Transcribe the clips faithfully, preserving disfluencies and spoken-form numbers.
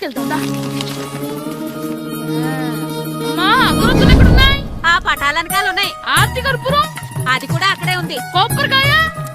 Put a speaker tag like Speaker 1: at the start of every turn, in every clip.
Speaker 1: తీసుకెళ్తా. అమ్మా అగరొత్తులు ఎక్కడున్నాయి?
Speaker 2: ఆ పటాలనకాలు ఉన్నాయి.
Speaker 1: ఆర్తి కర్పూరం
Speaker 2: అది కూడా అక్కడే ఉంది.
Speaker 1: కొబ్బరికాయ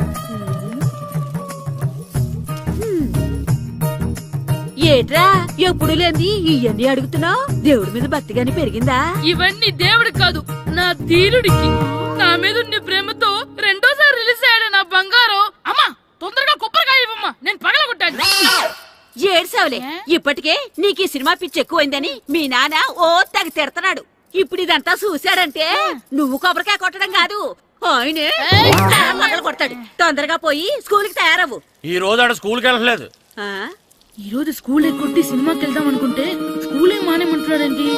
Speaker 2: ఏట్రా ఎప్పుడు లేని ఇవన్నీ అడుగుతున్నావు? దేవుడి మీద భక్తిగాని పెరిగిందా?
Speaker 1: ఇవన్నీ దేవుడికి కాదు, నా ధీరుడికి. నా మీద ఉండే ప్రేమతో రెండోసారి రిలీజ్ అయ్యాడు నా బంగారం. అమ్మా తొందరగా కొబ్బరికాయ ఇవ్వమ్మా, నేను పగలగొట్టాను.
Speaker 2: ఏడ్సావులే, ఇప్పటికే నీకు ఈ సినిమా పిచ్చి ఎక్కువైందని మీ నాన్న ఓ తగి తిడతాడు. ఇప్పుడు ఇదంతా చూశాడంటే నువ్వు కొబ్బరికాయ కొట్టడం కాదు, ఆయనే పగలు కొడతాడు. తొందరగా పోయి స్కూల్ కి తయారవు.
Speaker 3: ఈ రోజు ఆడ స్కూల్ కి వెళ్ళలేదు.
Speaker 1: ఈ రోజు స్కూల్ ఎక్కొట్టి సినిమాకి వెళ్దాం అనుకుంటే స్కూల్ ఏం మానేమంటున్నాడండి.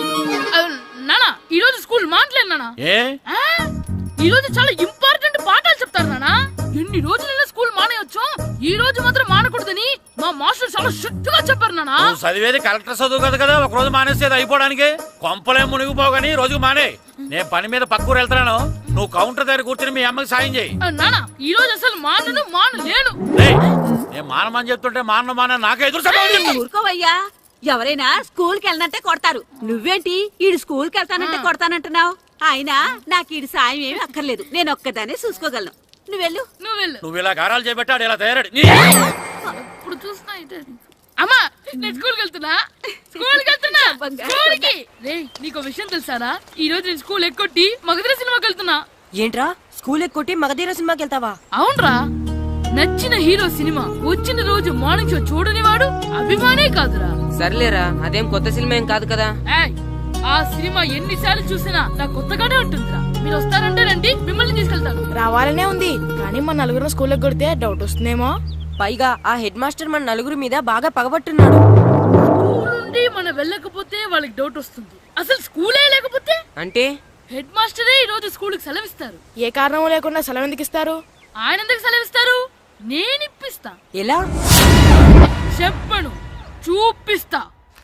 Speaker 1: నానా ఈ రోజు స్కూల్ మానట్లేదు నానా.
Speaker 3: ఏ
Speaker 1: ఈ రోజు చాలా ఇంపార్టెంట్ పాఠాలు చెప్తారు నానా. ఎన్ని రోజులైనా స్కూల్ మానేయొచ్చు, ఈ రోజు మాత్రం మానకూడదని మా మాస్టర్ చాలా స్ట్రిక్ట్ గా చెప్పారు నానా.
Speaker 3: నువ్వు చదివేది కలెక్టర్ చదువు కదా కదా ఒక రోజు మానేసేది అయిపోవడానికి. కొంపలే మునిగిపోగాని రోజుకు మానే. నేను పని మీద పక్కూరు వెళ్తున్నాను, నువ్వు కౌంటర్ దగ్గర కూర్చొని మీ అమ్మకి సాయం చేయి.
Speaker 1: నానా ఈ రోజు అసలు మానను మాను లేను.
Speaker 3: నేను మానమని చెప్తుంటే మాన మాన నాకే ఎదురు.
Speaker 2: ఊరుకోవయ్యా, ఎవరైనా స్కూల్ కి వెళ్ళనంటే కొడతారు. నువ్వేంటి ఈడు స్కూల్ కి వెళ్తానంటే కొడతానంటున్నావు? అయినా నాకు ఈడు సాయం ఏమి అక్కర్లేదు, నేను ఒక్కదాన్ని చూసుకోగలను. నువ్వెళ్ళు
Speaker 1: నువ్వెళ్ళు.
Speaker 3: నువ్వు ఇలా గారాలు చేపెట్టాడు ఇలా తయారాడు.
Speaker 1: ఇప్పుడు చూస్తున్నా అమ్మా, నేను స్కూల్కి వెళ్తున్నా స్కూల్కి వెళ్తున్నా స్కూల్కి. రేయ్ నీకు విషయం తెలుసారా, ఈ రోజు నేను స్కూల్ ఎక్కొట్టి మగధీర సినిమాకి వెళ్తున్నా.
Speaker 4: ఏంట్రా స్కూల్ ఎక్కొట్టి మగధీర సినిమాకి వెళ్తావా?
Speaker 1: అవునరా, నచ్చిన హీరో సినిమా వచ్చిన రోజు మార్నింగ్ షో చూడని వాడు అభిమానే కాదురా.
Speaker 4: సర్లేరా, అదేం కొత్త సినిమా ఏం కాదు కదా.
Speaker 1: ఆ సినిమా ఎన్నిసార్లు చూసినా నాకు కొత్తగానే ఉంటుందిరా. మీరు వస్తారంటే రండి, మిమ్మల్ని తీసుకెళ్తాను.
Speaker 5: రావాలనే ఉంది కానీ మన నలుగురు స్కూల్కి కొడితే డౌట్ వస్తుందేమో.
Speaker 4: పైగా ఆ హెడ్ మాస్టర్ మన నలుగురు మీద బాగా పగబట్టున్నాడు.
Speaker 1: స్కూల్ నుండి మనం వెళ్ళకపోతే వాళ్ళకి డౌట్ వస్తుంది. అసలు స్కూలే లేకపోతే
Speaker 4: అంటే
Speaker 1: హెడ్ మాస్టరే ఈ రోజు స్కూల్ కి సెలవిస్తారు.
Speaker 5: ఏ కారణం లేకుండా సెలవు ఎందుకు ఇస్తారు?
Speaker 1: ఆయన ఎందుకు సెలవిస్తారు? నేను ఇప్పిస్తా.
Speaker 4: ఎలా
Speaker 1: చెప్పను, చూపిస్తా.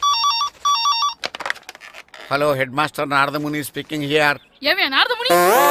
Speaker 3: Hello head master Naradamuni speaking here.
Speaker 1: ఏమే నారదముని,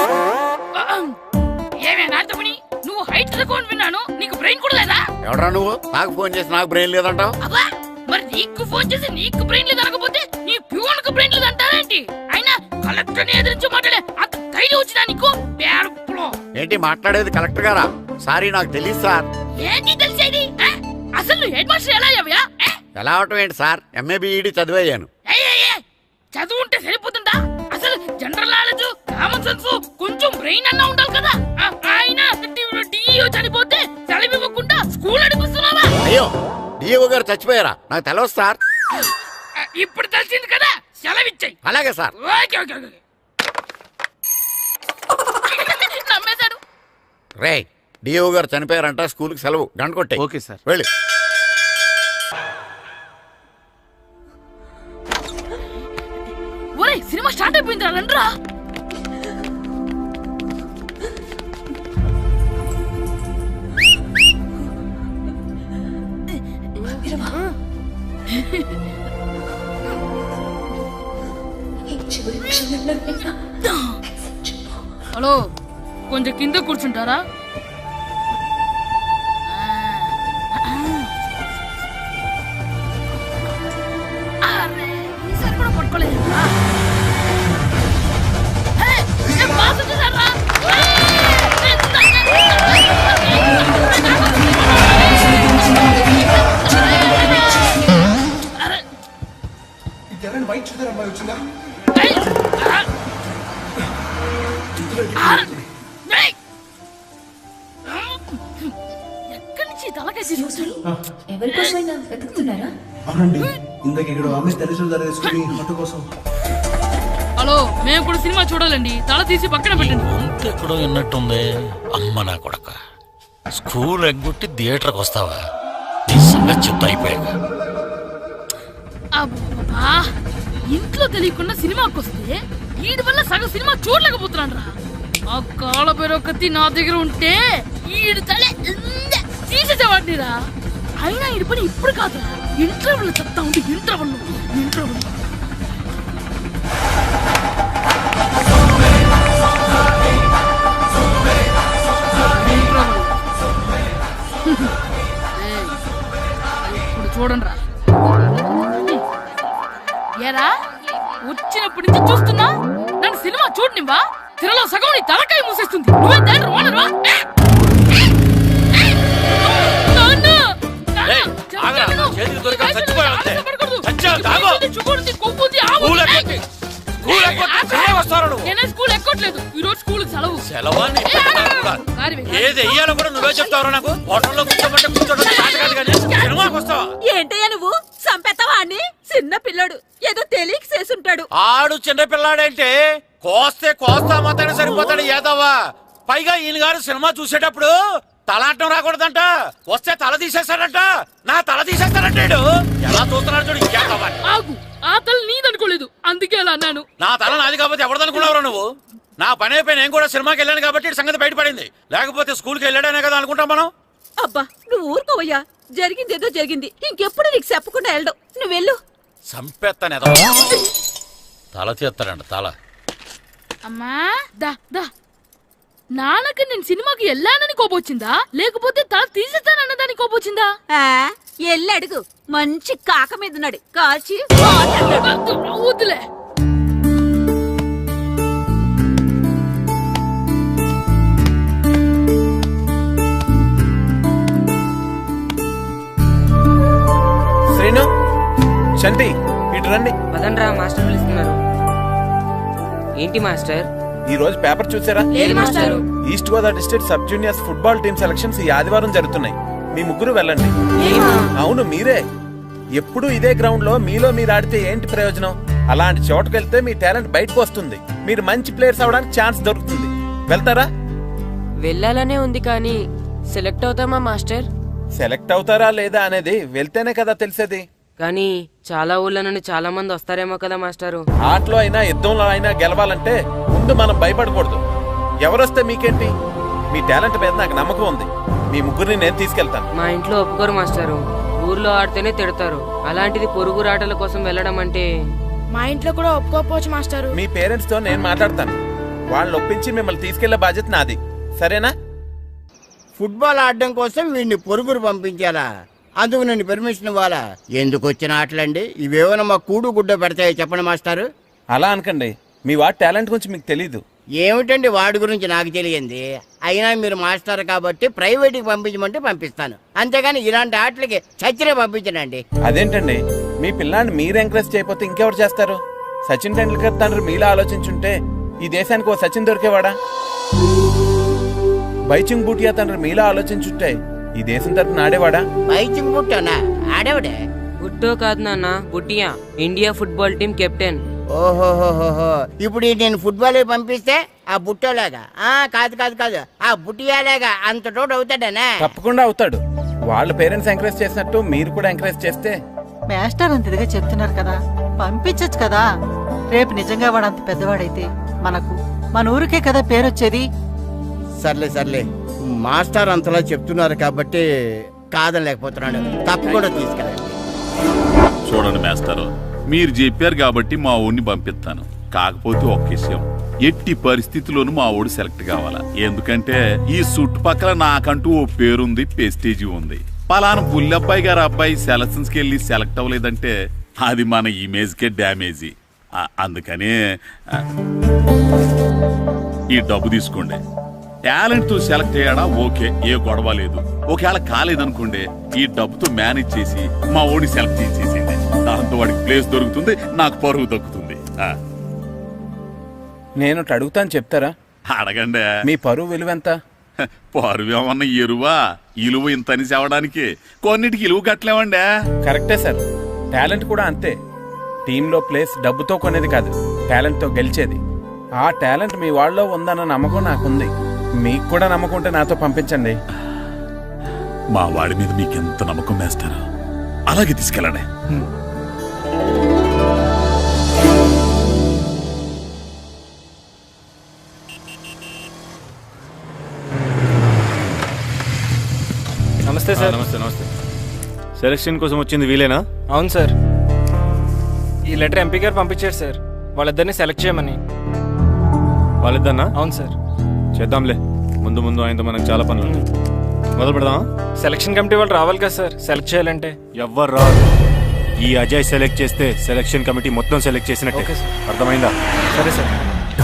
Speaker 1: ఏమే నారదముని, నువ్వు హైట్ తక్కువ విన్నాను, నీకు బ్రెయిన్ కూడా లేదా?
Speaker 3: ఎవడరా నువ్వు? నాకు ఫోన్ చేసి నాకు బ్రెయిన్ లేదంటావు?
Speaker 1: అబ్బా, మరి నీకు ఫోన్ చేసి నీకు బ్రెయిన్ లేదనకపోతే నీ ప్యూన్ కు బ్రెయిన్ లేదంటారేంటి? అయినా కలెక్టర్ ని ఎదిరించి మాట్లాడే అంత ధైర్యం వచ్చినా నీకు?
Speaker 3: ఏంటి మాట్లాడేది కలెక్టర్ గారా? సారీ నాకు తెలియదు సార్.
Speaker 1: ఏంటి తెలిసేది? అసలు నువ్వు హెడ్ మాస్టర్ ఎలా అయ్యావా?
Speaker 3: ఎలా అవటం ఏంటి సార్, ఎంఏ బిఈడి చదివయ్యాను.
Speaker 1: చదువు ఉంటే సరిపోతుందా? అసలు జనరల్ నాలెడ్జ్, కామన్ సెన్స్, కొంచెం బ్రెయిన్ అన్నా ఉండాలి కదా. ఆయన డిఇఓ చనిపోతే సెలవు ఇవ్వకుండా స్కూల్ నడిపిస్తున్నావా?
Speaker 3: అయ్యో, డిఇఓ గారు చచ్చిపోయారా? నాకు తెలియదు సార్.
Speaker 1: ఇప్పుడు తెలిసింది కదా, సెలవిచ్చాయి.
Speaker 3: అలాగే సార్.
Speaker 1: Okay okay okay. నమ్మేశాడు.
Speaker 3: రే, డిఇఓ గారు చనిపోయారంట, స్కూల్ కి సెలవు, గంట కొట్టే.
Speaker 6: Okay sir.
Speaker 3: వెళ్ళి.
Speaker 1: ఒరే సినిమా స్టార్ట్ అయిపోయింది, రండ్రా. హలో, కొంచెం కింద కూర్చుంటారా? ఈసారి కూడా పట్టుకోలేదు.
Speaker 7: వైట్ చూద్దరు అమ్మాయి వచ్చిందా?
Speaker 1: ఎక్కడి నుంచి తలకాయ తీసుకొచ్చాడు?
Speaker 8: ఎవరికోసమైనా వెతుకుతున్నారా?
Speaker 7: అవునండి, ఇందాక ఇక్కడ ఆమె తల్లిదండ్రులు తీసుకుని ఆటో కోసం.
Speaker 1: హలో, మేము కూడా సినిమా చూడాలండి, తల తీసి పక్కన పెట్టండి.
Speaker 3: ఎక్కడో విన్నట్టుంది. అమ్మ నా కొడక, స్కూల్ ఎగ్గొట్టి థియేటర్కి వస్తావా? నీ సంగతి చెప్తా అయిపోయాక.
Speaker 1: అబ్బా, ఇంట్లో తెలియకుండా సినిమాకి వస్తే వీడి వల్ల సగం సినిమా చూడలేకపోతున్నాను రా. ఆ కాళ్ళ పేరు కత్తి నా దగ్గర ఉంటే ఈడు తలే తీసేసేవాడిని రా. అయినా ఈడి పని ఇప్పుడు కాదురా, ఇంటర్వెల్ చెప్తా ఉంటే ఇంటర్వెల్ ఇంటర్వెల్ ఇప్పుడు చూడండి రా. ఏరా వచ్చినప్పటి నుంచి చూస్తున్నా నన్ను సినిమా చూడనివ్వా తిరలో సగం నీ తలకాయ మూసేస్తుంది నువ్వే దాని రోనరువా
Speaker 3: ఏయ్, ఆగరా, చేతికి దొరికా చచ్చిపోయావు అంతే. చచ్చావు, తాగు. స్కూల్ ఎక్కొచ్చి, స్కూల్ ఎక్కొచ్చి తిరిగి వస్తావు నువ్వు.
Speaker 1: నేనే స్కూల్ ఎక్కట్లేదు ఈ రోజు స్కూల్ సెలవు
Speaker 3: సెలవా నీ పెద్దదాన్ని కూడా. ఏది వెయ్యాలో కూడా నువ్వే చెప్తావు నాకు. హోటల్లో కూర్చోబట్టే కూర్చోడం కాదు కాదు కానీ సినిమాకి వస్తావా?
Speaker 2: ఏంటయ్యా నువ్వు సంపెత్తవా అని చిన్న పిల్లడు ఏదో తెలియక చేసుంటాడు.
Speaker 3: ఆడు చిన్న పిల్లాడంటే కోస్తే కోస్తా మాత్రమే సరిపోతాడు ఏదవ్వా. పైగా ఈయన గారు సినిమా చూసేటప్పుడు తలాటం రాకూడదంట, వస్తే తల తీసేస్తాడంట. నా తల తీసేస్తాడంటాడు. ఎలా చూస్తున్నాడు చూడు. ఇంకేదవ్వా
Speaker 1: ఆగు ఆ తల నీదనుకోలేదు అందుకే అలా అన్నాను.
Speaker 3: నా తల నాది కాబట్టి ఎవరిదనుకున్నావురా నువ్వు? నా పని అయిపోయి నేను కూడా సినిమాకి వెళ్ళాను కాబట్టి ఈ సంగతి బయటపడింది. లేకపోతే స్కూల్కి వెళ్ళాడనే కదా అనుకుంటాం మనం.
Speaker 2: అబ్బా నువ్వు ఊరుకోవయ్యా, జరిగింది ఏదో జరిగింది, ఇంకెప్పుడు నీకు చెప్పకుండా వెళ్ళడం. నువ్వు వెళ్ళు.
Speaker 3: సంపెత్తనే తల తీస్తాడంట తల.
Speaker 1: అమ్మా దా దా నాన్నకి నేను సినిమాకి వెళ్ళానని కోపొచ్చిందా లేకపోతే తల తీసేస్తానన్నదాని కోపొచ్చిందా?
Speaker 2: ఆ, ఎల్లి అడుగు. మంచి కాక మీద ఉన్నాడు కాల్చి
Speaker 1: వద్దులే.
Speaker 6: శ్రీను, చంటి ఇటు రండి.
Speaker 4: పదండ్రా మాస్టర్ పిలుస్తున్నారు. ఏంటి మాస్టర్?
Speaker 6: ఈ రోజు పేపర్ చూసారా?
Speaker 4: లేదు master.
Speaker 6: East Godavari district sub juniors football team selections ఈ ఆదివారం జరుగుతున్నాయి. మీ ముగ్గురు వెళ్ళండి. అవును మీరే. ఎప్పుడు ఇదే గ్రౌండ్ లో మీలో మీరు ఆడితే ఏంటి ప్రయోజనం? అలాంటి చోటుకు వెళ్తే మీ టాలెంట్ బయటకు వస్తుంది. మీరు మంచి ప్లేయర్స్ అవడానికి ఛాన్స్ దొరుకుతుంది. వెళ్తారా?
Speaker 4: వెళ్ళాలనే ఉంది కానీ సెలెక్ట్ అవుతామా మాస్టర్?
Speaker 6: సెలెక్ట్ అవుతారా లేదా అనేది వెళ్తేనే కదా తెలిసేది.
Speaker 4: కానీ చాలా ఊళ్ళ నుండి చాలా మంది వస్తారేమో కదా మాస్టారు.
Speaker 6: ఆటలో అయినా యుద్ధంలో అయినా గెలవాలంటే ముందు మనం భయపడకూడదు. ఎవరొస్తే మీకేంటి? మీ టాలెంట్ మీద నాకు నమ్మకం ఉంది. మీ ముగ్గురిని నేను తీసుకెళ్తాను.
Speaker 4: మా ఇంట్లో ఒప్పుకోరు మాస్టారు. ఊర్లో ఆడితేనే తిడతారు. అలాంటిది పొరుగు ఆటల కోసం వెళ్ళడం అంటే
Speaker 5: మా ఇంట్లో కూడా ఒప్పుకోకపోవచ్చు మాస్టారు.
Speaker 6: మీ పేరెంట్స్ తో నేను మాట్లాడతాను. వాళ్ళని ఒప్పించి మిమ్మల్ని తీసుకెళ్లే బాధ్యత నాది. సరేనా?
Speaker 9: ఫుట్బాల్ ఆడడం కోసం వీడిని పొరుగురు పంపించాలా? అందుకు నేను పర్మిషన్ ఇవ్వాలా? ఎందుకు వచ్చిన ఆటలండి ఇవేమైనా మా కూడు గుడ్డ పెడతాయో చెప్పండి మాస్టారు.
Speaker 6: అలా అనకండి. మీ వాడి టాలెంట్ గురించి మీకు తెలీదు.
Speaker 9: ఏమిటండి వాడి గురించి నాకు తెలియంది? అయినా మీరు మాస్టర్ కాబట్టి ప్రైవేట్కి పంపించమంటే పంపిస్తాను, అంతేగాని ఇలాంటి ఆటలకి చచ్చినే పంపించనండి.
Speaker 6: అదేంటండి, మీ పిల్లాన్ని మీరు ఎంకరేజ్ చేయకపోతే ఇంకెవరు చేస్తారు? సచిన్ టెండూల్కర్ తండ్రి మీలా ఆలోచించుంటే ఈ దేశానికి ఓ సచిన్ దొరికేవాడా? బైచింగ్ బూటియా తండ్రి మీలా ఆలోచించుంటే ఈ దేశం తరపున ఆడేవాడా?
Speaker 9: బైచింగ్ బుట్టనా ఆడేవాడే?
Speaker 4: బుట్టో కాదు నాన్న, బుట్టియా, ఇండియా ఫుట్బాల్ టీం కెప్టెన్.
Speaker 9: ఓహోహోహో, ఇప్పుడు నేను ఫుట్బాల్ పంపిస్తే ఆ బుట్టోలాగా? ఆ కాదు కాదు కాదు ఆ బుట్టియాలాగా అంత తోడు అవుతాడనా?
Speaker 6: తప్పకుండా అవుతాడు. వాళ్ళ పేరెంట్స్ ఎంకరేజ్ చేసినట్టు మీరు కూడా ఎంకరేజ్ చేస్తే.
Speaker 10: మాస్టర్ అంత ఇదిగా చెప్తున్నారు కదా, పంపించచ్చు కదా. రేపు నిజంగా వాడు అంత పెద్దవాడైతే మనకు మన ఊరికే కదా పేరొచ్చేది.
Speaker 9: సర్లే సర్లే, మాస్టర్ అంతలా చెప్తున్నారు కాబట్టి కాదలేకపోతున్నాడు. తప్పకుండా తీసుకెళ్ళండి.
Speaker 11: చూడండి మేస్తారు, మీరు చెప్పారు కాబట్టి మా ఊరిని పంపిస్తాను. కాకపోతే ఒక్క విషయం, ఎట్టి పరిస్థితుల్లోనూ మా ఊడు సెలెక్ట్ కావాలా. ఎందుకంటే ఈ చుట్టుపక్కల నాకంటూ ఓ పేరుంది, పెస్టేజీ ఉంది. పలానా బుల్లబ్బాయి గారు అబ్బాయి సెలక్షన్స్ కి వెళ్ళి సెలెక్ట్ అవ్వలేదంటే అది మన ఇమేజ్ కే డ్యామేజీ. అందుకనే ఈ డబ్బు తీసుకోండి. టాలెంట్ తో సెలెక్ట్ అయ్యాడా ఓకే, ఏ గొడవ లేదు. ఒకవేళ కాలేదనుకోండి, ఈ డబ్బుతో మేనేజ్ చేసి మా ఓడి సెలెక్ట్ చేసేసింది. దాంతో వాడికి ప్లేస్ దొరుకుతుంది, నాకు పరువు దక్కుతుంది.
Speaker 6: నేను అడుగుతాను, చెప్తారా?
Speaker 11: అడగండి.
Speaker 6: మీ పరువు విలువ ఎంత?
Speaker 11: పరువు ఏమన్నా ఎరువా? ఇలువ ఇంతని చెప్పడానికి కొన్నిటికి ఇలువ కట్టలేమండి.
Speaker 6: కరెక్టే సార్, టాలెంట్ కూడా అంతే. టీంలో ప్లేస్ డబ్బుతో కొనేది కాదు, టాలెంట్ తో గెలిచేది. ఆ టాలెంట్ మీ వాళ్ళలో ఉందన్న నమ్మకం నాకుంది. మీకు కూడా నమ్మకం ఉంటే నాతో పంపించండి.
Speaker 11: మా వాడి మీద మీకు ఎంత నమ్మకం వేస్తారో అలాగే తీసుకెళ్ళండి.
Speaker 12: నమస్తే సార్.
Speaker 13: నమస్తే నమస్తే. సెలక్షన్ కోసం వచ్చింది వీలేనా?
Speaker 12: అవును సార్. ఈ లెటర్ ఎంపీ గారు పంపించారు సార్, వాళ్ళిద్దరిని సెలెక్ట్ చేయమని.
Speaker 13: వాళ్ళిద్దరినా?
Speaker 12: అవును సార్.
Speaker 13: చేద్దాంలే, ముందు ముందు ఆయనతో మనకు చాలా పనులు ఉన్నాయి. మొదలు పెడదామా?
Speaker 12: సెలక్షన్ కమిటీ వాళ్ళు రావాలి కదా సార్ సెలెక్ట్ చేయాలంటే.
Speaker 13: ఎవ్వరు రాదు. ఈ అజయ్ సెలెక్ట్ చేస్తే సెలక్షన్ కమిటీ మొత్తం సెలెక్ట్ చేసినట్టే.
Speaker 12: Okay sir.
Speaker 13: అర్థమైందా?
Speaker 12: సరే సార్.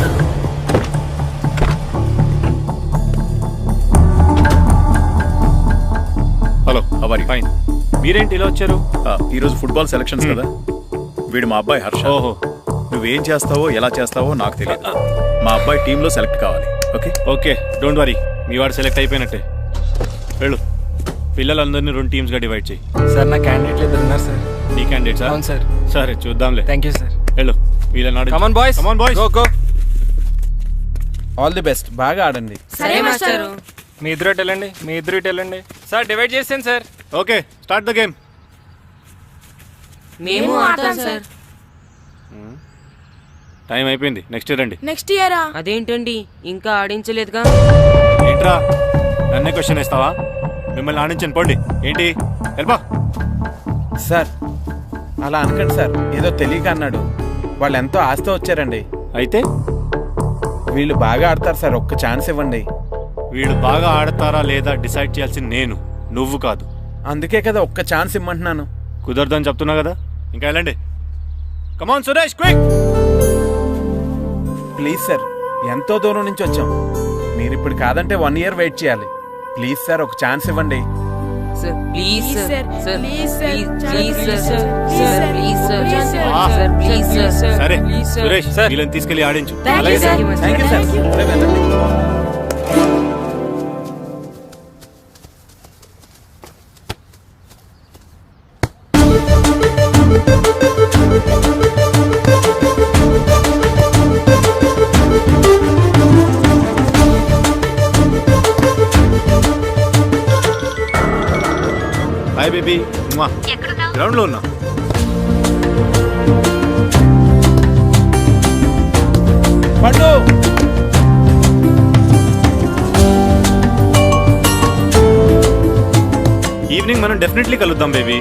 Speaker 13: హలో అవరి ఫైన్. మీరేంటి ఇలా వచ్చారు?
Speaker 14: ఈ రోజు ఫుట్బాల్ సెలక్షన్స్ కదా, వీడు మా అబ్బాయి హర్ష.
Speaker 13: ఓహో.
Speaker 14: నువ్వేం చేస్తావో ఎలా చేస్తావో నాకు తెలియదు. మా అబ్బాయి టీంలో సెలెక్ట్ కావాలి. ఓకే
Speaker 13: ఓకే, డోంట్ వరీ, మీ వాడు సెలెక్ట్ అయిపోయినట్టే. వెళ్ళు, పిల్లలందరినీ రెండు టీమ్స్ గా డివైడ్ చేయి.
Speaker 12: సార్ నా క్యాండిడేట్లు ఇద్దరు ఉన్నారు సార్.
Speaker 13: నీ క్యాండిడేట్ సార్?
Speaker 12: అవును సార్.
Speaker 13: సరే చూద్దాంలే.
Speaker 12: Thank you sir.
Speaker 13: వెళ్ళు, వీళ్ళని
Speaker 12: come on boys,
Speaker 13: come on boys,
Speaker 12: go go.
Speaker 6: All the best, బాగా ఆడండి.
Speaker 4: సరే మాస్టర్.
Speaker 12: మీ ఇద్దరు ఇటు వెళ్ళండి, మీ ఇద్దరు ఇటు వెళ్ళండి. సార్ డివైడ్ చేసాను sir.
Speaker 13: Okay, start the game.
Speaker 4: మేము ఆడతాం సార్.
Speaker 13: టైం అయిపోయింది, నెక్స్ట్ ఇయర్ రండి.
Speaker 5: నెక్స్ట్ ఇయరా?
Speaker 4: అదేంటండి ఇంకా ఆడించలేదుగా.
Speaker 13: ఏంట్రా నన్నే క్వశ్చన్ వేస్తావా? మిమ్మల్ని ఆడించండి, పోండి. ఏంటి వెళ్ళబా.
Speaker 6: సార్ అలా అనకండి సార్, ఏదో తెలియక అన్నాడు. వాళ్ళు ఎంతో ఆస్తి వచ్చారండి.
Speaker 13: అయితే
Speaker 6: వీళ్ళు బాగా ఆడతారు సార్, ఒక్క ఛాన్స్ ఇవ్వండి.
Speaker 13: వీళ్ళు బాగా ఆడతారా లేదా డిసైడ్ చేయాల్సింది నేను, నువ్వు కాదు.
Speaker 6: అందుకే కదా ఒక్క ఛాన్స్ ఇమ్మంటున్నాను.
Speaker 13: కుదరదని చెప్తున్నా కదా, ఇంకా వెళ్ళండి. Come on Suresh, quick.
Speaker 6: Please sir, ఎంతో దూరం నుంచి వచ్చాం. మీరు ఇప్పుడు కాదంటే వన్ ఇయర్ వెయిట్ చేయాలి. ప్లీజ్ సార్, ఒక ఛాన్స్ ఇవ్వండి.
Speaker 4: Sir please sir, sir
Speaker 5: please sir,
Speaker 4: please sir, sir please sir,
Speaker 13: ఆ,
Speaker 4: సార్ ప్లీజ్ సార్.
Speaker 13: సరే సురేష్, వీళ్ళని తీసుకెళ్ళి ఆడించు.
Speaker 4: Thank you sir.
Speaker 6: Thank you sir. సరే, వెళ్ళండి.
Speaker 13: హాయ్ బేబీ, గ్రౌండ్ లో ఉన్నా.
Speaker 6: పండు,
Speaker 13: ఈవినింగ్ మనం డెఫినెట్లీ కలుద్దాం బేబీ.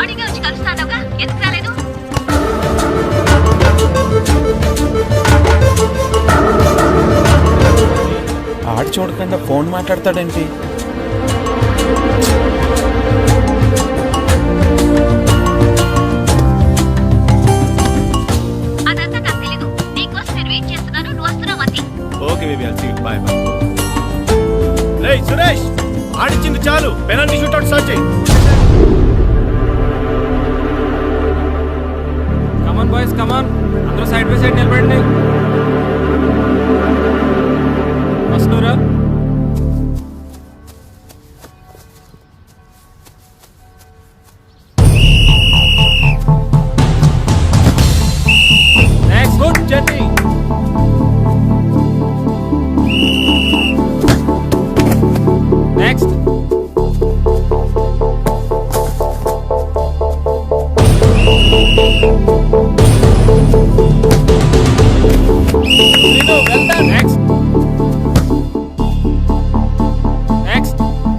Speaker 6: ఆడు చూడకుండా ఫోన్ మాట్లాడతాడేంటి?
Speaker 13: Okay baby, I'll see you. Bye bye. రేయ్ సురేష్, ఆడించింది చాలు, పెనాల్టీ షూట్అవుట్ స్టార్ట్ చేయి.
Speaker 12: Come on boys, come on. అందరూ సైడ్ బై సైడ్ నిలబడండి. వస్తున్నారా? Next good journey. Next. Next. Next.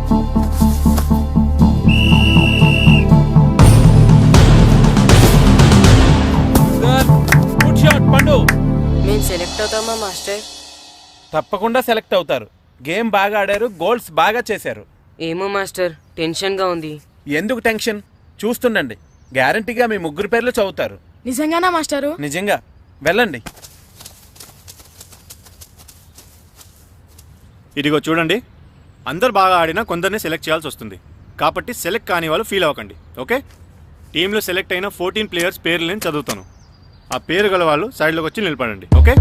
Speaker 6: Good shot Pandu.
Speaker 4: మేము సెలెక్ట్ అవుతామా మాస్టర్?
Speaker 6: తప్పకుండా సెలెక్ట్ అవుతారు. గేమ్ బాగా ఆడారు, గోల్స్ బాగా చేశారు.
Speaker 4: ఏమో మాస్టర్, టెన్షన్ గా ఉంది.
Speaker 6: ఎందుకు టెన్షన్? చూస్తుండండి, గ్యారంటీగా మీ ముగ్గురు పేర్లు చదువుతారు.
Speaker 5: నిజంగానా మాస్టారు?
Speaker 6: నిజంగా. వెళ్ళండి.
Speaker 13: ఇదిగో చూడండి, అందరు బాగా ఆడినా కొందరిని సెలెక్ట్ చేయాల్సి వస్తుంది. కాబట్టి సెలెక్ట్ కాని వాళ్ళు ఫీల్ అవ్వకండి, ఓకే? టీంలో సెలెక్ట్ అయిన ఫోర్టీన్ ప్లేయర్స్ పేర్లు నేను చదువుతాను. ఆ పేరు గల వాళ్ళు సైడ్లోకి వచ్చి నిలబడండి, ఓకే?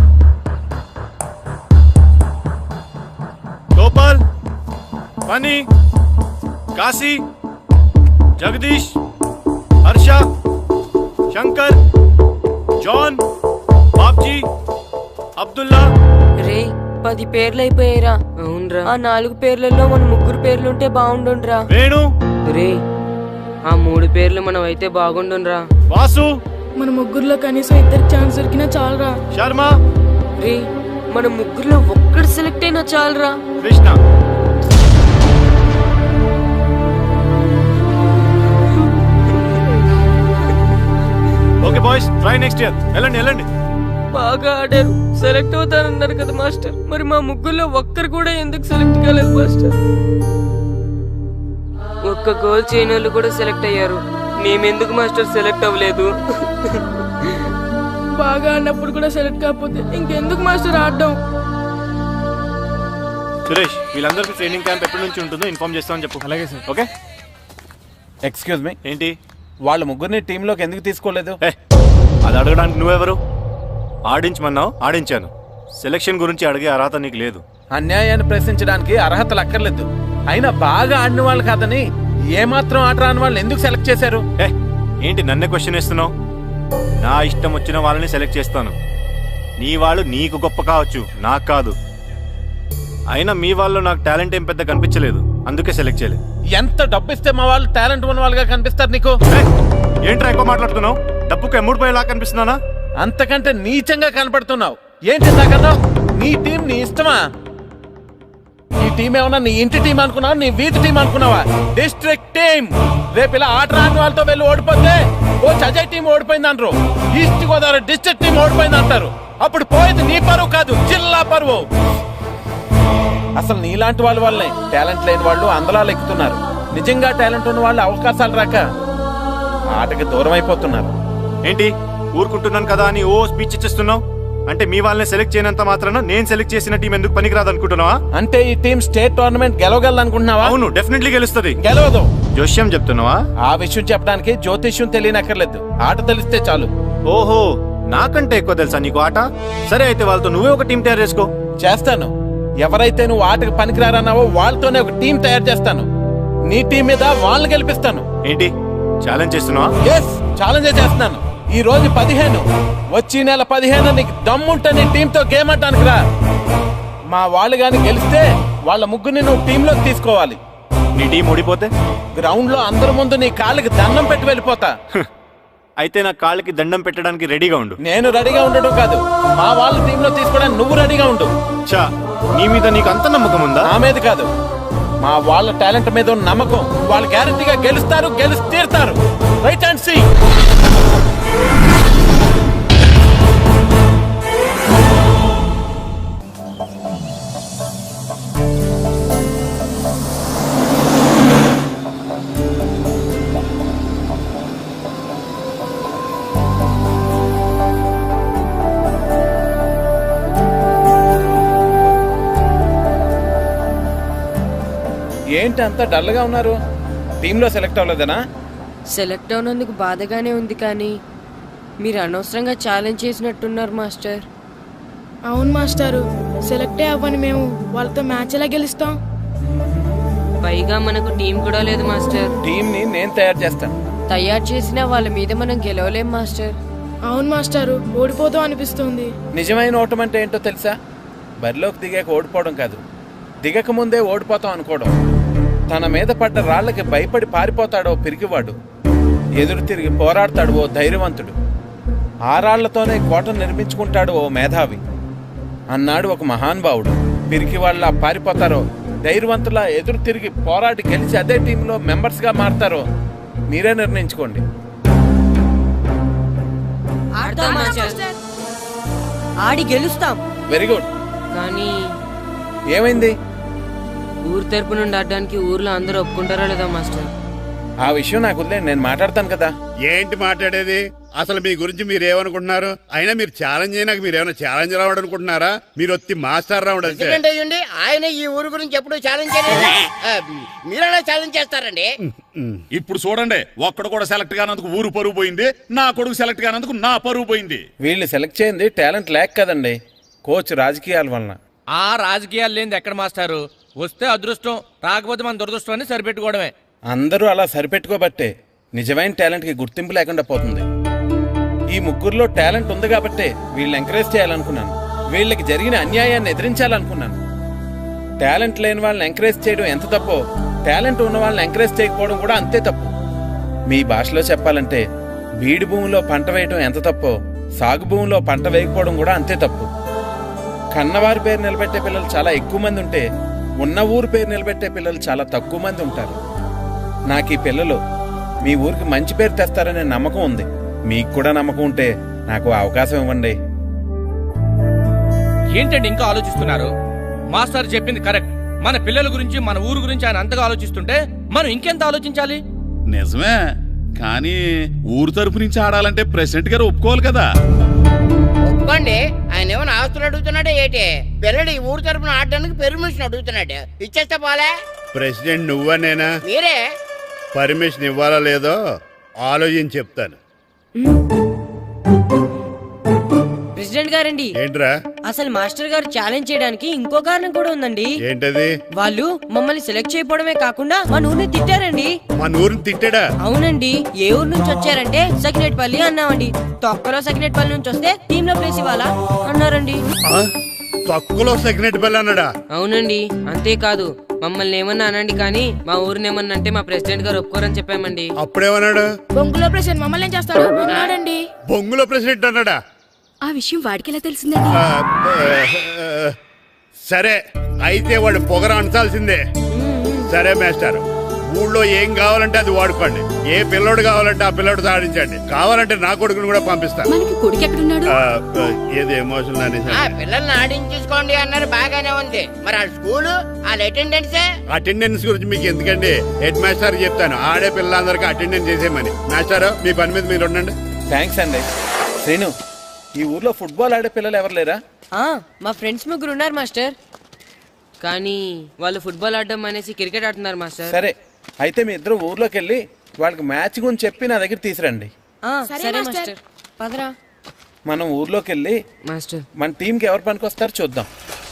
Speaker 13: గోపాల్, ఫనీ, కాశీ, జగదీష్, హర్ష, శంకర్, జాన్, బాబ్జీ, అబ్దుల్లా.
Speaker 4: రే పది పేర్లు అయిపోయారా? అవునరా. ఆ నాలుగు పేర్లలో మన ముగ్గురు పేర్లుంటే బాగుండుండ్రా.
Speaker 13: వేణు.
Speaker 4: రే ఆ మూడు పేర్లు మనం అయితే బాగుండుండ్రా.
Speaker 13: వాసు.
Speaker 5: మన ముగ్గురులో కనీసం ఇద్దరు ఛాన్స్ దొరికినా చాలరా.
Speaker 13: శర్మ.
Speaker 4: రే మన ముగ్గురులో ఒక్కడు సెలెక్ట్ అయినా చాలరా.
Speaker 13: Krishna. Okay boys, try next year. వెళ్ళండి వెళ్ళండి.
Speaker 4: బాగా ఆడారు, సెలెక్ట్ అవుతారన్నారు కదా మాస్టర్. మరి మా ముగ్గురులో ఒక్కరు కూడా ఎందుకు సెలెక్ట్ కాలేదు మాస్టర్? ఒక్క గోల్ చేయని వాళ్ళు కూడా సెలెక్ట్ అయ్యారు. మేమెందుకు మాస్టర్ సెలెక్ట్ అవ్వలేదు?
Speaker 5: బాగా ఆడినప్పుడు కూడా సెలెక్ట్ కాకపోతే ఇంకెందుకు మాస్టర్ ఆడడం?
Speaker 13: సురేష్, వీళ్ళందరికీ ట్రైనింగ్ క్యాంప్ ఎప్పటి నుంచి ఉంటుందో ఇన్ఫార్మ్ చేస్తామని చెప్పు. అలాగే సార్. ఓకే.
Speaker 6: ఎక్స్క్యూజ్ మీ,
Speaker 13: ఏంటి?
Speaker 6: వాళ్ళ ముగ్గురిని టీంలోకి ఎందుకు తీసుకోలేదు?
Speaker 13: అది అడగడానికి నువ్వెవరు? ఆడించమన్నావు, ఆడించాను. సెలక్షన్ గురించి అడిగే అర్హత నీకు లేదు.
Speaker 6: అన్యాయాన్ని ప్రశ్నించడానికి అర్హతలు అక్కర్లేదు. అయినా బాగా ఆడిన వాళ్ళు కాదని ఏమాత్రం ఆట రాని వాళ్ళని ఎందుకు సెలెక్ట్ చేశారు?
Speaker 13: ఏంటి నన్నే క్వశ్చన్ వేస్తున్నావు? నా ఇష్టం వచ్చిన వాళ్ళని సెలెక్ట్ చేస్తాను. నీ వాళ్ళు నీకు గొప్ప కావచ్చు, నాకు కాదు. అయినా మీ వాళ్ళు నాకు టాలెంట్ ఏం పెద్ద కనిపించలేదు, అందుకే సెలెక్ట్ చేయలేదు.
Speaker 6: ఎంత డబ్బు ఇస్తే మా వాళ్ళు టాలెంట్ ఉన్న వాళ్ళుగా కనిపిస్తారు నీకు?
Speaker 13: ఏంట్రా ఎక్కువ మాట్లాడుతున్నావు? డబ్బుకు ఎమ్ముడిపోయేలా కనిపిస్తున్నానా?
Speaker 6: అంతకంటే నీచంగా కనపడుతున్నావు. ఏంటి నాకన్నా నీ టీం నీ ఇష్టమా? ఈ టీం ఏమన్నా నీ ఇంటి టీం అనుకున్నావా, నీ వీధి టీం అనుకున్నావా? District team. రేపు ఇలా ఆట రాని వాళ్ళతో వెళ్ళి ఓడిపోతే ఓ అజయ్ టీం ఓడిపోయింది అంటారు, ఈస్ట్ గోదావరి డిస్ట్రిక్ట్ టీం ఓడిపోయింది అంటారు. అప్పుడు పోయేది నీ పరువు కాదు, జిల్లా పరువు. అసలు నీలాంటి వాళ్ళ వల్లే టాలెంట్ లేని వాళ్ళు అందలాలు ఎక్కుతున్నారు. నిజంగా టాలెంట్ ఉన్న వాళ్ళు అవకాశాలు రాక ఆటకి దూరం అయిపోతున్నారు.
Speaker 13: ఏంటి ఊరుకుంటున్నాను కదా అని ఓ స్పీచ్ ఇచ్చేస్తున్నావు? అంటే మీ వాళ్ళని సెలెక్ట్ చేయనంత మాత్రాన నేను సెలెక్ట్ చేసిన టీం ఎందుకు పనికిరాదు అనుకుంటున్నావా?
Speaker 6: అంటే ఈ టీం స్టేట్ టోర్నమెంట్ గెలవగలదు అనుకుంటున్నావా?
Speaker 13: అవును, డెఫినెట్లీ గెలుస్తుంది.
Speaker 6: గెలవదు.
Speaker 13: జోష్యం చెప్తున్నావా?
Speaker 6: ఆ విషయం చెప్పడానికి జ్యోతిష్యం తెలియనక్కర్లేదు, ఆట తెలిస్తే చాలు.
Speaker 13: ఓహో, నాకంటే ఎక్కువ తెలుసా నీకు ఆట? సరే అయితే వాళ్ళతో నువ్వే ఒక టీం తయారు చేసుకో.
Speaker 6: చేస్తాను. ఎవరైతే నువ్వు ఆటకు పనికిరారన్నావో వాళ్ళతోనే ఒక టీం తయారు చేస్తాను. నీ టీం మీద వాళ్ళని గెలిపిస్తాను.
Speaker 13: ఏంటి ఛాలెంజ్ చేస్తున్నావా?
Speaker 6: ఎస్, ఛాలెంజ్ చేస్తున్నాను. ఈ రోజు పదిహేను, వచ్చి నెల పదిహేను నీకు దమ్ముంటే నీ టీంతో గేమ్ ఆడటానికి రా. మా వాళ్ళు గాని గెలిస్తే వాళ్ళ ముగ్గురిని నువ్వు టీంలోకి తీసుకోవాలి.
Speaker 13: నీ టీం ఓడిపోతే
Speaker 6: గ్రౌండ్ లో అందరి ముందు నీ కాళ్ళకి దండం పెట్టి వెళ్ళిపోతా.
Speaker 13: అయితే నా కాళ్ళకి దండం పెట్టడానికి రెడీగా ఉండు.
Speaker 6: నేను రెడీగా ఉండడం కాదు, మా వాళ్ళ టీంలో తీసుకోవడానికి నువ్వు రెడీగా ఉండు.
Speaker 13: చా, నీ మీద నీకు అంత నమ్మకం ఉందా?
Speaker 6: నా మీద కాదు, మా వాళ్ళ టాలెంట్ మీద ఉన్న నమ్మకం. వాళ్ళు గ్యారంటీగా గెలుస్తారు, గెలిచి తీరుతారు. Right and see. ఏంటి అంత డల్గా ఉన్నారు? టీంలో సెలెక్ట్ అవ్వలేదనా?
Speaker 4: సెలెక్ట్ అవునందుకు బాధగానే ఉంది, కానీ మీరు అనవసరంగా ఛాలెంజ్ చేసినట్టున్నారు మాస్టర్.
Speaker 5: అవును మాస్టారు, సెలెక్టే అవ్వని మేము వాళ్ళతో మ్యాచ్ ఎలా గెలుస్తాం?
Speaker 4: పైగా మనకు టీం కూడా లేదు మాస్టర్.
Speaker 6: టీం ని నేను తయారు చేస్తాను.
Speaker 4: తయారు చేసిన వాళ్ళ మీద మనం గెలవలేం మాస్టర్.
Speaker 5: అవును మాస్టారు, ఓడిపోతాం అనిపిస్తుంది.
Speaker 6: నిజమైన ఓటం అంటే ఏంటో తెలుసా? బరిలోకి దిగాక ఓడిపోవడం కాదు, దిగక ముందే ఓడిపోతాం అనుకోవడం. తన మీద పడ్డ రాళ్లకి భయపడి పారిపోతాడో పిరికివాడు, ఎదురు తిరిగి పోరాడతాడు ఓ ధైర్యవంతుడు, ఆ రాళ్లతోనే కోట నిర్మించుకుంటాడు ఓ మేధావి అన్నాడు ఒక మహానుభావుడు. పిరికి వాళ్ళ పారిపోతారో ధైర్యవంతులా ఎదురు తిరిగి పోరాడి గెలిచి అదే టీంలో మెంబర్స్ గా మారతారో మీరే నిర్ణయించుకోండి.
Speaker 4: ఆడి గెలుస్తాం.
Speaker 6: Very good.
Speaker 4: కానీ
Speaker 6: ఏమైంది?
Speaker 4: ఊరు తరపు నుండి ఆడడానికి ఊర్లో అందరూ ఒప్పుకుంటారా లేదా మాస్టర్?
Speaker 6: ఆ విషయం నాకు వదిలేండి, నేను మాట్లాడతాను కదా.
Speaker 15: ఏంటి మాట్లాడేది? అసలు మీ గురించి మీరు ఏమనుకుంటున్నారు? అయినా మీరు ఛాలెంజ్ అయినాక మీరు ఏమైనా ఛాలెంజ్ రావడం అనుకుంటున్నారా? మీరు వచ్చి మాస్టర్ రావడం అంతే.
Speaker 9: ఆయన ఈ ఊరు గురించి ఎప్పుడు ఛాలెంజ్ చేయలేదు, మీరెలా ఛాలెంజ్ చేస్తారండి?
Speaker 11: ఇప్పుడు చూడండి, ఒక్కడు కూడా సెలెక్ట్ కానందుకు ఊరు పరువు పోయింది, నా కొడుకు సెలెక్ట్ కానందుకు నా పరువు పోయింది.
Speaker 6: వీళ్ళు సెలెక్ట్ చేయింది టాలెంట్ లేక కదండి, కోచ్ రాజకీయాల వలన.
Speaker 16: ఆ రాజకీయాలు లేనిది ఎక్కడ మాస్టారు? వస్తే అదృష్టం, రాకపోతే మన దురదృష్టం అని సరిపెట్టుకోవడమే.
Speaker 6: అందరూ అలా సరిపెట్టుకోబట్టే నిజమైన టాలెంట్ కి గుర్తింపు లేకుండా పోతుంది. ఈ ముగ్గురులో టాలెంట్ ఉంది కాబట్టే వీళ్ళని ఎంకరేజ్ చేయాలనుకున్నాను, వీళ్ళకి జరిగిన అన్యాయాన్ని ఎదిరించాలనుకున్నాను. టాలెంట్ లేని వాళ్ళని ఎంకరేజ్ చేయడం ఎంత తప్పో, టాలెంట్ ఉన్న వాళ్ళని ఎంకరేజ్ చేయకపోవడం కూడా అంతే తప్పు. మీ భాషలో చెప్పాలంటే బీడు భూమిలో పంట వేయడం ఎంత తప్పో, సాగు భూమిలో పంట వేయకపోవడం కూడా అంతే తప్పు. కన్నవారి పేరు నిలబెట్టే పిల్లలు చాలా ఎక్కువ మంది ఉంటే, ఉన్న ఊరు పేరు నిలబెట్టే పిల్లలు చాలా తక్కువ మంది ఉంటారు. నాకు ఈ పిల్లలు మీ ఊరికి మంచి పేరు తెస్తారనే నమ్మకం ఉంది. మీకు కూడా నమ్మకం ఉంటే నాకు అవకాశం ఇవ్వండి.
Speaker 16: ఏంటండి ఇంకా ఆలోచిస్తున్నారు? మాస్టర్ చెప్పింది కరెక్ట్. మన పిల్లల గురించి, మన ఊరు గురించి ఆయన అంతగా ఆలోచిస్తుంటే మనం ఇంకెంత ఆలోచించాలి?
Speaker 11: నిజమే, కానీ ఊరు తరపు నుంచి ఆడాలంటే ప్రెసిడెంట్ గారు ఒప్పుకోవాలి కదా.
Speaker 9: ఒప్పుకోండి, ఆయన ఏమైనా ఆస్తులు అడుగుతున్నాడే ఏంటి? పిల్లడు ఈ ఊరు తరపున ఆడడానికి పెర్మిషన్ అడుగుతున్నాడు, ఇచ్చేస్తే పోలే.
Speaker 15: ప్రెసిడెంట్ నువ్వా నేనా?
Speaker 9: మీరే.
Speaker 15: పర్మిషన్ ఇవ్వాలా లేదో ఆలోచించి చెప్తాను.
Speaker 4: ప్రెసిడెంట్ గారండి,
Speaker 15: ఏంట్రా?
Speaker 4: అసలు మాస్టర్ గారు ఛాలెంజ్ చేయడానికి ఇంకో కారణం కూడా ఉందండి.
Speaker 15: ఏంటది?
Speaker 4: వాళ్ళు మమ్మల్ని సెలెక్ట్ చేయకపోవడమే కాకుండా మా ఊరిని తిట్టారండి.
Speaker 15: మా ఊరిని తిట్టాడా?
Speaker 4: అవునండి. ఏ ఊరు నుంచి వచ్చారంటే సకినేట్పల్లి అన్నామండి. తొక్కలో సకినేట్పల్లి నుంచి వస్తే టీమ్ లో ప్లేస్ ఇవ్వాలా అన్నారండి.
Speaker 15: తొక్కలో సకినేట్పల్లి అన్నాడా?
Speaker 4: అవునండి. అంతేకాదు మమ్మల్ని ఏమన్నా అనండి కానీ మా ఊరిని ఏమన్నా అంటే మా ప్రెసిడెంట్ గారు ఒప్పుకోరని చెప్పామండి.
Speaker 15: అప్పుడేమన్నాడు?
Speaker 5: బొంగులో ప్రెసిడెంట్ మమ్మల్ని ఏం చేస్తాడు అన్నాడండి.
Speaker 15: బొంగులో ప్రెసిడెంట్ అన్నాడా?
Speaker 2: ఆ విషయం వాడికి ఎలా తెలిసిందండి?
Speaker 15: సరే అయితే వాడు పొగర అంచాల్సిందే. సరే మాస్టర్, ఊళ్ళో ఏం కావాలంటే అది వాడుకోండి. ఏ పిల్లోడు కావాలంటే ఆ పిల్లోడు సాధించండి. కావాలంటే నా కొడుకుని కూడా పంపిస్తాను.
Speaker 2: మనకి కొడుకు ఎక్కడున్నాడు?
Speaker 15: ఏది ఎమోషనల్ అనేసి
Speaker 9: పిల్లల్ని ఆడించేసుకోండి అన్నారు, బాగానే ఉంది. మరి ఆ స్కూలు వాళ్ళ అటెండెన్స్
Speaker 15: అటెండెన్స్ గురించి మీకు ఎందుకండి, హెడ్ మాస్టర్ చెప్తాను. ఆడే పిల్లలందరికీ అటెండెన్స్ చేసేయమని. మాస్టర్ మీ పని మీద మీరు ఉండండి.
Speaker 6: థ్యాంక్స్ అండి. శ్రీను, ఈ ఊర్లో ఫుట్బాల్ ఆడే పిల్లలు ఎవరు లేరా?
Speaker 4: మా ఫ్రెండ్స్ ముగ్గురు ఉన్నారు మాస్టర్, కానీ వాళ్ళు ఫుట్బాల్ ఆడడం అనేసి క్రికెట్ ఆడుతున్నారు మాస్టర్.
Speaker 6: సరే అయితే మీ ఇద్దరు ఊర్లోకి వెళ్ళి వాళ్ళకి మ్యాచ్ గురించి చెప్పి నా దగ్గర తీసురండి.
Speaker 4: సరే మాస్టర్, పదరా.
Speaker 6: మనం ఊర్లోకి వెళ్ళి
Speaker 4: మాస్టర్
Speaker 6: మన టీంకి ఎవరు పనికొస్తారో చూద్దాం.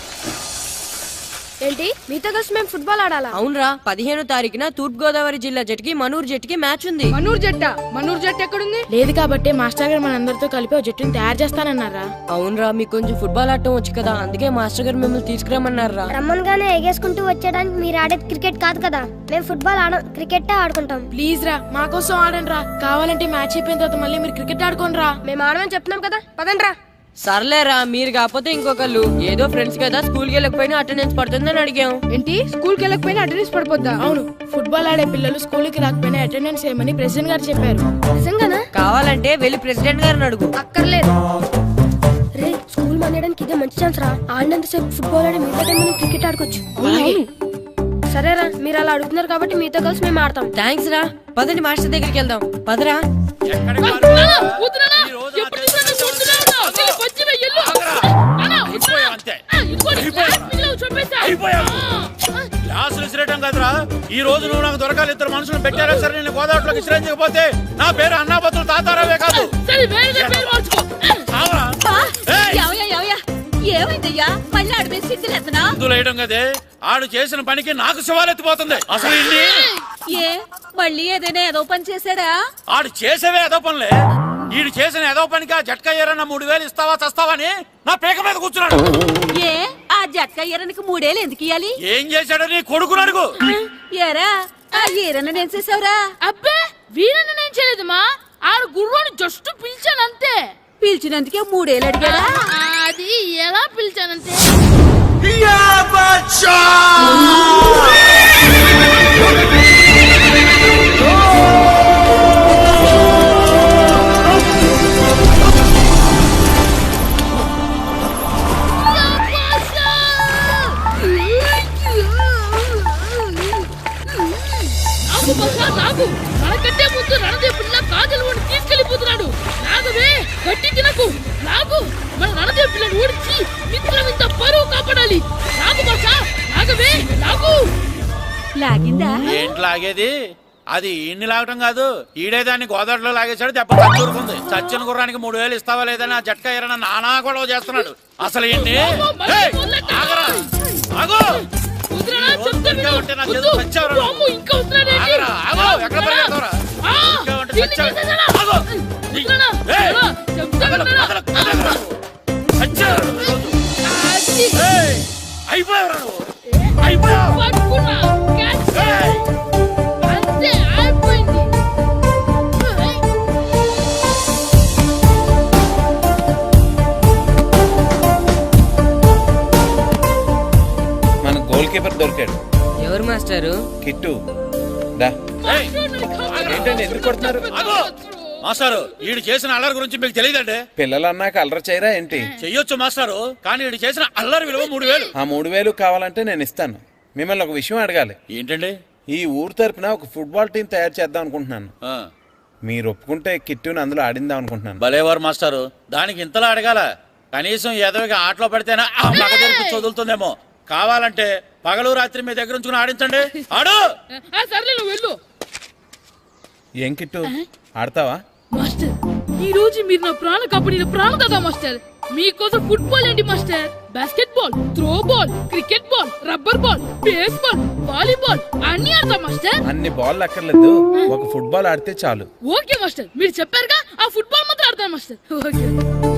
Speaker 5: ఏంటి మీతో కలిసి మేము ఫుట్బాల్ ఆడాలా?
Speaker 4: అవునరా, పదిహేనో తారీఖున తూర్పు గోదావరి జిల్లా జట్టుకి మనూరు జట్టుకి మ్యాచ్ ఉంది.
Speaker 5: మనూరు జట్ట మనూరు జట్టు ఎక్కడుంది? లేదు కాబట్టి మాస్టర్ గారు మనందరితో కలిపి ఒక జట్టుని తయారు చేస్తానన్నారా?
Speaker 4: అవునరా, మీకు కొంచెం ఫుట్బాల్ ఆడటం వచ్చు కదా, అందుకే మాస్టర్ గారు మిమ్మల్ని తీసుకురామన్నారా.
Speaker 17: రమ్మన్గానే ఎగేసుకుంటూ వచ్చేయడానికి మీరు ఆడేది క్రికెట్ కాదు కదా, మేము ఫుట్బాల్ ఆడం, క్రికెట్ ఆడుకుంటాం.
Speaker 5: ప్లీజ్ రా, మా కోసం ఆడండి రా. కావాలంటే మ్యాచ్ అయిపోయిన తర్వాత మళ్ళీ మీరు క్రికెట్ ఆడుకోండి రా.
Speaker 17: మేము ఆడమని చెప్తున్నాం కదా, పదండి రా.
Speaker 4: సర్లేరా, మీరు కాకపోతే ఇంకొకళ్ళు. ఏదో ఫ్రెండ్స్ కదా, స్కూల్కి వెళ్ళకపోయినా అటెండెన్స్ పడుతుందని అడిగాం.
Speaker 5: ఏంటి స్కూల్కి వెళ్ళకపోయినా అటెండెన్స్ పడిపోద్దా? అవును, ఫుట్బాల్ ఆడే పిల్లలు స్కూల్కి రాకపోయినా అటెండెన్స్ చేయమని ప్రెసిడెంట్ గారు చెప్పారు.
Speaker 17: నిజంగానా?
Speaker 4: కావాలంటే వెళ్ళి ప్రెసిడెంట్ గారిని అడుగు.
Speaker 17: అక్కర్లేదు రే, స్కూల్ మానేయడానికి ఇదే మంచి ఛాన్స్ రా. ఆడినంతసేపు ఫుట్బాల్ ఆడి మిగతా టైం మనం క్రికెట్ ఆడుకోవచ్చు. సరేరా, మీరు అలా అడుగుతున్నారు కాబట్టి మీతో కలిసి మేము ఆడతాం.
Speaker 4: థ్యాంక్స్ రా, పదండి మాస్టర్ దగ్గరికి వెళ్దాం. పదరా.
Speaker 3: క్లాసులు విసిరేయడం కదరా, ఈ రోజు నువ్వు నాకు దొరకాలి. ఇద్దరు మనుషులు పెట్టారా సరే, నేను గోదావరిలోకి విసిరించకపోతే నా పేరు అన్నాపత్రులు తాతారావే కాదు.
Speaker 2: ఏమైందయ్యా మళ్ళీ ఆడిపై సిద్ధులేతనా?
Speaker 3: వేయడం కదే, ఆడు చేసిన పనికి నాకు శివాలెత్తిపోతుంది. అసలు ఇన్ని
Speaker 2: ఏ మళ్ళీ ఏదైనా ఏదో పని చేశాడా?
Speaker 3: ఆడు చేసేవే ఏదో పనులే. ఈడు చేసిన ఏదో పనికి ఆ జట్కా ఏరన్నా మూడు వేలు ఇస్తావా చస్తావని నా పేక మీద కూర్చున్నాడు.
Speaker 2: ఏ ఆ జట్కా ఈరనికి మూడేళ్ళు ఎందుకు ఇయ్యాలి?
Speaker 3: ఏం చేశాడో నీ కొడుకుని అడుగు.
Speaker 2: ఏరా ఆ ఈరన్న నేను చేసావురా?
Speaker 1: అబ్బే, వీరన్న నేను చేయలేదమ్మా. ఆడు గుర్రాన్ని జస్ట్ పిలిచాను అంతే.
Speaker 2: పిలిచినందుకే మూడేళ్ళు అడిగాడా?
Speaker 1: అది ఎలా పిలిచానంటే మనకంటే ముందు రణదేవుడిన కాజలవాడిని తీసుకెళ్లిపోతున్నాడు. నాగవే గట్టి తినకు, నాగు. మన రణదేవు పిల్లని ఓడించి మిత్రం ఇంత పరువు కాపాడాలి. నాగు బాసా, నాగవే నాగు.
Speaker 2: లాగిందా?
Speaker 3: ఏంటి లాగేది? అది ఈయన్ని లాగటం కాదు, ఈడే దాన్ని గోదావరిలో లాగేశాడు. దెబ్బ తూరుకుంది. చచ్చిన గుర్రానికి మూడు వేలు ఇస్తావా లేదని ఆ జట్కా ఏరన్నా నానా గొడవ చేస్తున్నాడు. అసలు ఏంటి?
Speaker 6: మన గోల్ కీపర్ దొరికాడు.
Speaker 4: ఎవరు మాస్టారు?
Speaker 6: కిట్టు. ఏంటండి ఎందుకు కొడుతున్నారు?
Speaker 3: మాస్టారు, ఈడు చేసిన అల్లరి గురించి మీకు తెలియదండి.
Speaker 6: పిల్లలు అన్నాక అల్లరి చేయరా ఏంటి?
Speaker 3: చెయ్యొచ్చు మాస్టారు, కానీ ఈడు చేసిన అల్లరి విలువ మూడు వేలు.
Speaker 6: ఆ మూడు వేలు కావాలంటే నేను ఇస్తాను. మిమ్మల్ని ఒక విషయం అడగాలి.
Speaker 3: ఏంటండి?
Speaker 6: ఈ ఊరు తరపున ఒక ఫుట్బాల్ టీం తయారు చేద్దాం అనుకుంటున్నాను. మీరు ఒప్పుకుంటే కిట్టుని అందులో ఆడిందాం అనుకుంటున్నాను.
Speaker 3: భలేవారు మాస్టారు, దానికి ఇంతలా అడగాల? కనీసం ఎదవిగా ఆటలో పడితేనే ఆ మగ తెరికి చదువుతుందేమో. కావాలంటే పగలు రాత్రి మీ దగ్గర ఉంచుకుని ఆడించండి. ఆడు.
Speaker 1: సర్లే నువ్వు వెళ్ళు.
Speaker 6: ఏం కిట్టు ఆడతావా?
Speaker 1: మాస్టర్, ఈ రోజు మీరు నా ప్రాణ కంపెనీలో ప్రాణం కదా మాస్టర్. మీకోసం ఫుట్బాల్ ఏంటి master, basketball, throwball, cricket ball, rubber ball, baseball, volleyball అన్ని ఆడతా మాస్టర్.
Speaker 6: అన్ని బాల్ అక్కర్లేదు, ఒక ఫుట్బాల్ ఆడితే చాలు.
Speaker 1: ఓకే మాస్టర్, మీరు చెప్పారుగా, ఆ ఫుట్బాల్ మాత్రం ఆడతాను మాస్టర్. ఓకే.